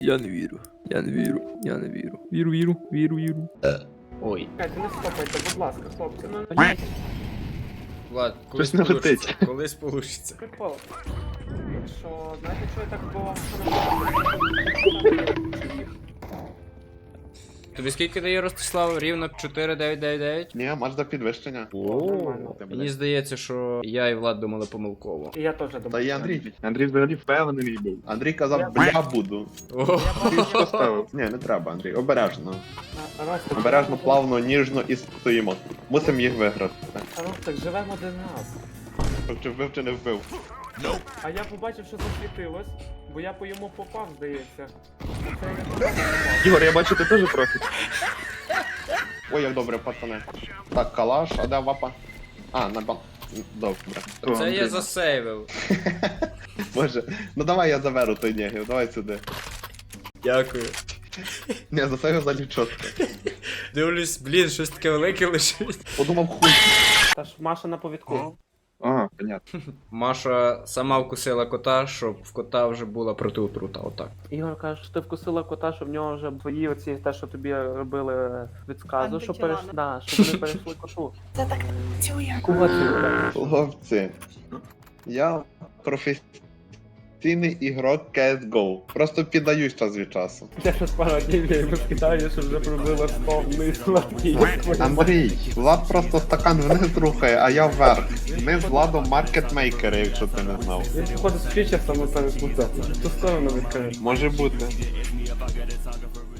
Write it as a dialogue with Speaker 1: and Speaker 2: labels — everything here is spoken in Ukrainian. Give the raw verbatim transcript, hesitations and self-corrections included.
Speaker 1: Я не вірю, я не вірю, я не вірю. Віру, віру, віру, віру.
Speaker 2: Ой.
Speaker 3: Чекайте, не стопайте, будь ласка, хлопці, ну не
Speaker 2: Влад, колись
Speaker 4: Щось не
Speaker 2: получиться.
Speaker 4: летить.
Speaker 2: Колись получиться.
Speaker 3: прикол. Що, знаєте, що я так було?
Speaker 2: Тобі скільки дає Ростислав? Рівно чотири дев'ять дев'ять дев'ять?
Speaker 4: Ні, матч до підвищення.
Speaker 3: Нормально.
Speaker 2: Мені здається, що я і Влад думали помилково.
Speaker 3: І я теж думаю.
Speaker 4: Та і Андрій.
Speaker 5: Андрій взагалі впевнений був.
Speaker 4: Андрій казав, бля буду.
Speaker 2: О,
Speaker 4: Ти що ставив? Ні, не треба, Андрій. Обережно.
Speaker 3: А, Ростик,
Speaker 4: Обережно, плавно, ніжно і стоїмо. Мусимо їх виграти.
Speaker 3: А, Ростик, живемо один раз.
Speaker 4: Чи вбив, чи не вбив.
Speaker 3: А я побачив, що засвітилось, бо я по йому попав, здається. Це я не попав.
Speaker 5: Ігор, я бачу, ти теж профі.
Speaker 4: Ой, як добре, пацани. Так, калаш, а де вапа? А, на бан... Добре.
Speaker 5: О,
Speaker 2: це я
Speaker 5: Андрій.
Speaker 2: засейвив.
Speaker 4: Боже, ну давай я заберу той негів, давай сюди.
Speaker 2: Дякую.
Speaker 4: Ні, за це взагалі чітко.
Speaker 2: Дивлюсь, блін, щось таке велике лежить.
Speaker 4: Подумав, хуй.
Speaker 3: Та ж Маша на повідку.
Speaker 5: А, понятно.
Speaker 2: Маша сама вкусила кота, щоб в кота вже була протиотрута, отак.
Speaker 3: Ігор каже, що ти вкусила кота, що в нього вже твої оці, те, що тобі робили від сказу, що переш... да, щоб вони перейшли кошу.
Speaker 6: Це так працює.
Speaker 3: Кого це?
Speaker 4: Хлопці, я професійний ігрок сі ес го. Просто піддаюсь час від часу.
Speaker 3: Я щось пару днів я йому скидаю, що вже пробила сто вниз сладкий.
Speaker 4: Андрій, Влад просто стакан вниз рухає, а я вверх. Ми з Владом маркетмейкери, якщо ти не знав.
Speaker 3: Він походу з фіча саме переплутався. В ту сторону відкаже.
Speaker 4: Може бути.